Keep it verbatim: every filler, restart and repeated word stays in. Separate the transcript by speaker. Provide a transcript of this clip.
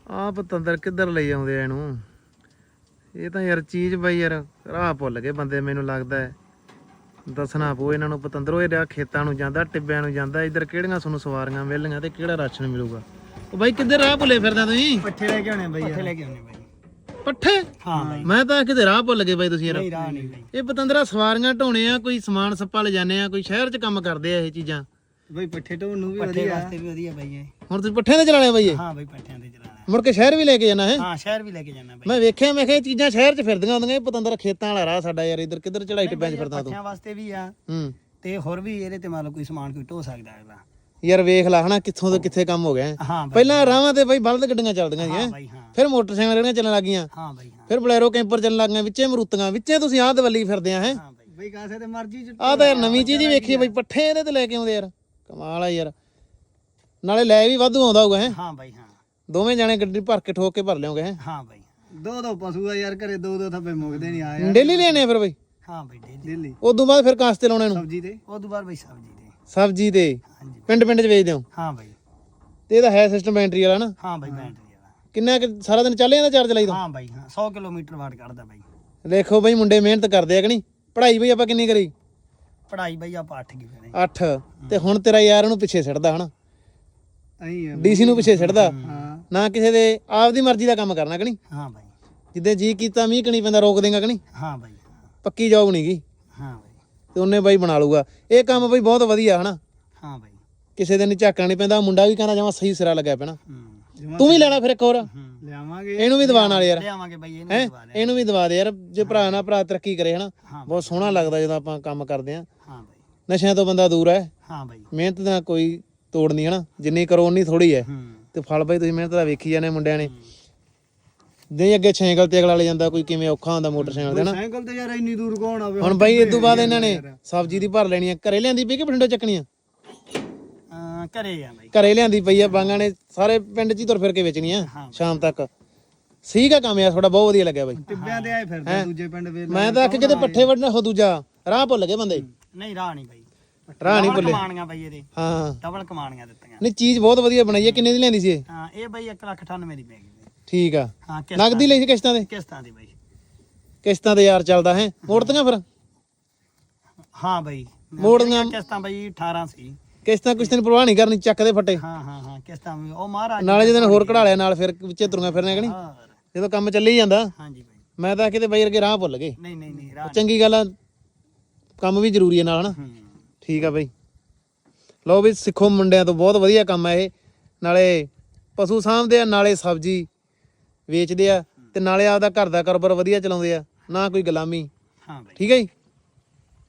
Speaker 1: ਆ ਪਤੰਦਰ ਕਿੱਧਰ ਲਈ ਆਉਂਦੇ ਆ ਇਹਨੂੰ। ਇਹ ਤਾਂ ਯਾਰ ਚੀਜ਼ ਬਾਈ ਯਾਰ ਰਾਹ ਭੁੱਲ ਗਏ ਬੰਦੇ, ਮੈਨੂੰ ਲੱਗਦਾ ਹੈ। ਦੱਸਣਾ ਪਊ ਇਹਨਾਂ ਨੂੰ। ਪਤੰਦਰੋਂ ਇਹ ਖੇਤਾਂ ਨੂੰ ਜਾਂਦਾ, ਟਿੱਬਿਆਂ ਨੂੰ ਜਾਂਦਾ। ਇੱਧਰ ਕਿਹੜੀਆਂ ਤੁਹਾਨੂੰ ਸਵਾਰੀਆਂ ਮਿਲਣੀਆਂ ਤੇ ਕਿਹੜਾ ਰਾਸ਼ਨ ਮਿਲੂਗਾ। ਉਹ ਬਾਈ ਕਿੱਧਰ ਰਾਹ ਭੁੱਲੇ ਫਿਰਦਾ ਤੁਸੀਂ?
Speaker 2: ਪੱਠੇ ਲੈ ਕੇ ਆਉਣੇ ਬਾਈ, ਪੱਠੇ ਲੈ ਕੇ ਆਉਣੇ ਬਾਈ।
Speaker 1: ਪੱਠੇ?
Speaker 2: ਹਾਂ ਬਾਈ।
Speaker 1: ਮੈਂ ਤਾਂ ਕਿਤੇ ਰਾਹ ਭੁੱਲ ਗਏ ਬਾਈ ਤੁਸੀਂ ਯਾਰ।
Speaker 2: ਨਹੀਂ ਰਾਹ ਨਹੀਂ ਬਾਈ।
Speaker 1: ਇਹ ਪਤੰਦਰਾ ਸਵਾਰੀਆਂ ਢੋਣੇ ਆ, ਕੋਈ ਸਮਾਨ ਸੱਪਾ ਲੈ ਜਾਂਦੇ ਆ, ਕੋਈ ਸ਼ਹਿਰ 'ਚ ਕੰਮ ਕਰਦੇ ਆ ਇਹ ਚੀਜ਼ਾਂ।
Speaker 2: ਬਾਈ ਪੱਠੇ ਢੋਣ ਨੂੰ ਵੀ ਵਧੀਆ, ਪੱਠੇ ਵਾਸਤੇ ਵੀ ਵਧੀਆ ਬਾਈ ਇਹ।
Speaker 1: ਹੁਣ ਤੁਸੀਂ ਪੱਠਿਆਂ ਤੇ ਚਲਾਣੇ ਬਾਈ ਇਹ?
Speaker 2: ਹਾਂ ਬਾਈ ਪੱਠਿਆਂ ਤੇ ਚਲਾਣਾ।
Speaker 1: ਮੁੜ ਕੇ ਸ਼ਹਿਰ ਵੀ ਲੈ ਕੇ ਜਾਣਾ ਹੈ?
Speaker 2: ਹਾਂ ਸ਼ਹਿਰ ਵੀ ਲੈ ਕੇ ਜਾਣਾ ਬਾਈ।
Speaker 1: ਮੈਂ ਵੇਖਿਆ ਮੈਂ ਕਿਹਾ ਇਹ ਚੀਜ਼ਾਂ ਸ਼ਹਿਰ 'ਚ ਫਿਰਦੀਆਂ ਹੁੰਦੀਆਂ। ਇਹ ਪਤੰਦਰ ਖੇਤਾਂ ਵਾਲਾ ਰਾਹ ਸਾਡਾ ਯਾਰ। ਇੱਧਰ ਕਿੱਧਰ ਚੜਾਈ ਟਿੱਬਿਆਂ 'ਚ ਫਿਰਦਾ ਤੂੰ?
Speaker 2: ਪੱਠਿਆਂ ਵਾਸਤੇ ਵੀ ਆ
Speaker 1: ਹੂੰ,
Speaker 2: ਤੇ ਹੋਰ ਵੀ ਇਹਦੇ ਤੇ ਮੰਨ ਲਓ ਕੋਈ ਸਮਾਨ ਕੋਈ ਢੋ ਸਕਦਾ ਅਗਲਾ।
Speaker 1: ਯਾਰ ਵੇਖ ਲਾ ਹਨਾ ਕਿੱਥੋਂ ਤੋਂ ਕਿੱਥੇ ਕੰਮ ਹੋ ਗਿਆ।
Speaker 2: ਹਾਂ ਬਾਈ।
Speaker 1: ਪਹਿਲਾਂ ਰਾਵਾਂ ਤੇ ਬਾਈ ਬਲਦ ਗੱਡੀਆਂ ਚੱਲਦੀਆਂ ਸੀ।
Speaker 2: ਹਾਂ ਬਾਈ ਹਾਂ।
Speaker 1: ਫਿਰ ਮੋਟਰਸਾਈਕਲ ਜਿਹੜੀਆਂ ਚੱਲਣ ਲੱਗੀਆਂ।
Speaker 2: ਹਾਂ ਬਾਈ ਹਾਂ।
Speaker 1: ਫਿਰ ਬਲੈਰੋ ਕੈਂਪਰ ਚੱਲਣ ਲੱਗੀਆਂ, ਵਿੱਚੇ ਮਰੂਤੀਆਂ, ਵਿੱਚੇ ਤੁਸੀਂ ਆਹ ਦਵੱਲੀ ਫਿਰਦੇ ਆ ਹੈ।
Speaker 2: ਹਾਂ ਬਾਈ। ਬਾਈ ਕਾਸੇ ਤੇ ਮਰਜ਼ੀ ਚ
Speaker 1: ਆਹ ਤਾਂ ਯਾਰ ਨਵੀਂ ਚੀਜ਼ ਹੀ ਵੇਖੀ ਬਾਈ। ਪੱਠੇ ਇਹਦੇ ਤੇ ਲੈ ਕੇ ਆਉਂਦੇ ਯਾਰ, ਕਮਾਲ ਆ ਯਾਰ। ਨਾਲੇ ਲੈ ਵੀ ਵਾਧੂ ਆਉਂਦਾ ਹੋਊਗਾ ਹੈ।
Speaker 2: ਹਾਂ ਬਾਈ ਹਾਂ।
Speaker 1: ਦੋਵੇਂ ਜਾਣੇ ਗੱਡੀ ਭਰ ਕੇ ਠੋਕ ਕੇ ਭਰ ਲਿਓਗੇ ਹੈ।
Speaker 2: ਹਾਂ ਬਾਈ। ਦੋ ਦੋ ਪਸ਼ੂ ਆ ਯਾਰ ਘਰੇ, ਦੋ ਦੋ ਥੱਬੇ ਮੁੱਕਦੇ ਨਹੀਂ ਆ ਯਾਰ।
Speaker 1: ਡੇਲੀ ਲੈਣੇ ਆ ਫਿਰ ਬਾਈ?
Speaker 2: ਹਾਂ ਬਾਈ ਡੇਲੀ।
Speaker 1: ਉਦੋਂ ਬਾਅਦ ਫਿਰ ਕਾਸਤੇ ਲਾਉਣੇ ਨੂੰ?
Speaker 2: ਸਬਜ਼ੀ ਤੇ ਉਦੋਂ ਬਾਅਦ ਬਾਈ ਸਬਜ਼ੀ ਤੇ।
Speaker 1: ਸਬਜ਼ੀ ਤੇ
Speaker 2: ਹਾਂਜੀ
Speaker 1: ਪਿੰਡ ਪਿੰਡ 'ਚ ਵੇਚਦੇ ਹੋ?
Speaker 2: ਹਾਂ ਬਾਈ।
Speaker 1: ਤੇ ਇਹਦਾ ਹੈ ਸਿਸਟਮ ਬੈਟਰੀ ਵਾਲਾ ਨਾ?
Speaker 2: ਹਾਂ ਬਾਈ ਬੈਟਰੀ ਵਾਲਾ।
Speaker 1: ਕਿੰਨਾ ਕੁ ਸਾਰਾ ਦਿਨ ਚੱਲ ਜਾਂਦਾ ਚਾਰਜ ਲਾਈਦਾ?
Speaker 2: ਹਾਂ ਬਾਈ ਹਾਂ। ਸੌ ਕਿਲੋਮੀਟਰ ਵਾਟ ਕੱਢਦਾ ਬਾਈ।
Speaker 1: ਦੇਖੋ ਬਾਈ ਮੁੰਡੇ ਮਿਹਨਤ ਕਰਦੇ ਆ ਕਿ ਨਹੀਂ? ਪੜ੍ਹਾਈ ਬਈ ਆਪਾਂ ਕਿੰਨੀ ਕਰੀ?
Speaker 2: ਪੜ੍ਹਾਈ ਬਾਈ ਆਪਾਂ ਅੱਠ ਕੀ ਕਰੇ।
Speaker 1: ਅੱਠ। ਤੇ ਹੁਣ ਤੇਰਾ ਯਾਰ ਉਹਨੂੰ ਪਿੱਛੇ ਛੱਡਦਾ ਹਨਾ,
Speaker 2: ਅਹੀਂ
Speaker 1: ਡੀਸੀ ਨੂੰ ਪਿੱਛੇ ਛੱਡਦਾ
Speaker 2: ਹਾਂ।
Speaker 1: ਨਾ ਕਿਸੇ ਦੇ ਆਪਦੀ ਮਰਜ਼ੀ ਦਾ ਕੰਮ ਕਰਨਾ ਕਿ ਨਹੀਂ?
Speaker 2: ਹਾਂ ਬਾਈ।
Speaker 1: ਜਿੱਦੇ ਜੀ ਕੀਤਾ ਮੀਂਹ ਕਣੀ ਪੈਂਦਾ ਰੋਕ ਦੇਗਾ ਕਿ ਨਹੀਂ?
Speaker 2: ਹਾਂ ਬਾਈ।
Speaker 1: ਪੱਕੀ ਜੌਬ ਨਹੀਂ ਗੀ
Speaker 2: ਹਾਂ ਬਾਈ।
Speaker 1: ਤੇ ਉਹਨੇ ਬਾਈ ਬਣਾ ਲੂਗਾ ਇਹ ਕੰਮ ਬਾਈ। ਬਹੁਤ ਵਧੀਆ ਹਨਾ,
Speaker 2: ਹਾਂ ਬਾਈ।
Speaker 1: ਕਿਸੇ ਦਿਨ ਝਾਕਣਾ ਨਹੀਂ ਪੈਂਦਾ। ਮੁੰਡਾ ਵੀ ਕਹਿੰਦਾ ਜਮਾ ਸਹੀ ਸਿਰਾ ਲੱਗਿਆ ਪੈਣਾ।
Speaker 2: ਹੂੰ
Speaker 1: ਤੂੰ ਵੀ ਲੈਣਾ ਫਿਰ ਇੱਕ ਹੋਰ?
Speaker 2: ਲਿਆਵਾਂਗੇ
Speaker 1: ਇਹਨੂੰ ਵੀ ਦਿਵਾਣ ਵਾਲੇ ਯਾਰ।
Speaker 2: ਲਿਆਵਾਂਗੇ ਬਾਈ ਇਹਨੂੰ
Speaker 1: ਹੈ
Speaker 2: ਵੀ ਦਵਾ ਦੇ।
Speaker 1: ਇਹਨੂੰ ਵੀ ਦਵਾ ਦੇ ਯਾਰ। ਜੇ ਭਰਾ ਨਾਲ ਭਰਾ ਤਰੱਕੀ ਕਰੇ ਹਨਾ,
Speaker 2: ਹਾਂ
Speaker 1: ਬਹੁਤ ਸੋਹਣਾ ਲੱਗਦਾ ਜਦੋਂ ਆਪਾਂ ਕੰਮ ਕਰਦੇ ਆ।
Speaker 2: ਹਾਂ ਬਾਈ।
Speaker 1: ਨਸ਼ਿਆਂ ਤੋਂ ਬੰਦਾ ਦੂਰ ਹੈ।
Speaker 2: ਹਾਂ ਬਾਈ।
Speaker 1: ਮਿਹਨਤ ਦਾ ਕੋਈ ਤੋੜ ਨਹੀਂ ਹਨਾ, ਜਿੰਨੀ ਕਰੋ ਉਨੀ ਥੋੜੀ ਹੈ।
Speaker 2: ਹੂੰ
Speaker 1: ਤੇ ਫਲ ਬਾਈ ਤੁਸੀਂ ਮਿਹਨਤ ਦਾ ਵੇਖੀ ਜਾਂਦੇ ਮੁੰਡਿਆਂ ਨੇ। ਨਹੀਂ ਅੱਗੇ ਸਾਈਕਲ ਤੇ ਅਗਲਾ ਲੈ ਜਾਂਦਾ, ਕੋਈ ਕਿਵੇਂ ਔਖਾ ਹੁੰਦਾ ਮੋਟਰਸਾਈਕਲ ਤੇ ਨਾ।
Speaker 2: ਸਾਈਕਲ ਤੇ ਯਾਰ ਇੰਨੀ ਦੂਰ ਕੌਣ ਆਵੇ।
Speaker 1: ਹੁਣ ਬਾਈ ਇਸ ਤੋਂ ਬਾਅਦ ਇਹਨਾਂ ਨੇ ਸਬਜ਼ੀ ਦੀ ਭਰ ਲੈਣੀ ਆ। ਘਰੇ ਲਿਆਂਦੀ ਪਈ ਕਿ ਬਠਿੰਡੋਂ ਚੱਕਣੀ ਆ?
Speaker 2: ਹਾਂ ਘਰੇ ਆ ਬਾਈ।
Speaker 1: ਘਰੇ ਲਿਆਂਦੀ ਪਈ ਆ। ਬਾਂਗਾਂ ਨੇ ਸਾਰੇ ਪਿੰਡ 'ਚ ਹੀ ਤੁਰ ਫਿਰ ਕੇ ਵੇਚਣੀ ਆ ਸ਼ਾਮ ਤੱਕ। ਠੀਕ ਆ ਕੰਮ ਯਾਰ ਤੁਹਾਡਾ, ਬਹੁਤ ਵਧੀਆ ਲੱਗਿਆ ਬਾਈ।
Speaker 2: ਟਿੱਬਿਆਂ ਤੇ ਆਏ ਫਿਰਦੇ ਦੂਜੇ ਪਿੰਡ ਵੇਲੇ।
Speaker 1: ਮੈਂ ਤਾਂ ਕਿ ਕਿਤੇ ਪੱਠੇ ਵੱਢਣਾ ਹੋ ਦੂਜਾ ਰਾਹ ਭੁੱਲ ਗਏ ਬੰਦੇ।
Speaker 2: ਨਹੀਂ ਰਾਹ ਨਹੀਂ ਬਾਈ।
Speaker 1: ਰਾਹ ਨਹੀਂ ਭੁੱਲੇ।
Speaker 2: ਕਮਾਣੀਆਂ ਬਾਈ ਇਹਦੇ
Speaker 1: ਹਾਂ
Speaker 2: ਡਬਲ ਕਮਾਣੀਆਂ ਦਿੱਤੀਆਂ।
Speaker 1: ਨਹੀਂ ਚੀਜ਼ ਬਹੁਤ ਵਧੀਆ ਬਣਾਈ ਹੈ। ਕਿੰਨੇ ਦੀ ਲਿਆਂਦੀ ਸੀ ਇਹ?
Speaker 2: ਹਾਂ ਇਹ ਬਾਈ ਇੱਕ ਲੱਖ ਅਠਾਨਵੇਂ ਦੀ ਪੈ ਗਈ।
Speaker 1: ਠੀਕ ਆ।
Speaker 2: ਹਾਂ
Speaker 1: ਨਗਦੀ ਲਈ ਸੀ ਕਿਸ਼ਤਾਂ ਦੇ?
Speaker 2: ਕਿਸ਼ਤਾਂ ਦੀ ਬਾਈ।
Speaker 1: ਕਿਸ਼ਤਾਂ ਤੇ ਯਾਰ ਚੱਲਦਾ ਹੈ। ਮੋੜਤੀਆਂ ਫਿਰ?
Speaker 2: ਹਾਂ ਬਾਈ
Speaker 1: ਮੋੜੀਆਂ
Speaker 2: ਕਿਸ਼ਤਾਂ ਬਾਈ ਅਠਾਰਾਂ ਸੀ।
Speaker 1: ਕਿਸ਼ਤਾਂ ਕੁਛ ਤੈਨੂੰ ਪਰਵਾਹ ਨਹੀਂ ਕਰਨੀ, ਚੱਕ ਦੇ ਫੱਟੇ।
Speaker 2: ਹਾਂ ਹਾਂ ਹਾਂ ਕਿਸ਼ਤਾਂ ਵੀ ਉਹ ਮਹਾਰਾਜ
Speaker 1: ਨਾਲੇ ਜਦੋਂ ਹੋਰ ਕਢਾ ਲਿਆ ਨਾਲ ਫਿਰ ਵਿੱਚੇ ਤੁਰੀਆਂ ਫਿਰਨੇ ਕਿ ਨਹੀਂ?
Speaker 2: ਹਾਂ
Speaker 1: ਜਦੋਂ ਕੰਮ ਚੱਲੀ ਜਾਂਦਾ।
Speaker 2: ਹਾਂਜੀ ਬਾਈ।
Speaker 1: ਮੈਂ ਤਾਂ ਕਿਤੇ ਬਾਈ ਅਰਗੇ ਰਾਹ ਭੁੱਲ ਗਏ।
Speaker 2: ਨਹੀਂ ਨਹੀਂ ਨਹੀਂ ਰਾਹ
Speaker 1: ਚੰਗੀ ਗੱਲ ਆ, ਕੰਮ ਵੀ ਜ਼ਰੂਰੀ ਹੈ ਨਾਲ ਹਨਾ।
Speaker 2: ਹੂੰ
Speaker 1: ਠੀਕ ਆ ਬਾਈ। ਲਓ ਵੀ ਸਿੱਖੋ ਮੁੰਡਿਆਂ ਤੋਂ, ਬਹੁਤ ਵਧੀਆ ਕੰਮ ਹੈ ਇਹ। ਨਾਲੇ ਪਸ਼ੂ ਸਾਂਭਦੇ ਆ, ਨਾਲੇ ਸਬਜ਼ੀ ਵੇਚਦੇ ਆ, ਤੇ ਨਾਲੇ ਆਪਦਾ ਘਰ ਦਾ ਕਾਰੋਬਾਰ ਵਧੀਆ ਚਲਾਉਂਦੇ ਆ, ਨਾ ਕੋਈ ਗੁਲਾਮੀ।
Speaker 2: ਹਾਂ ਬਾਈ।
Speaker 1: ਠੀਕ ਹੈ ਜੀ।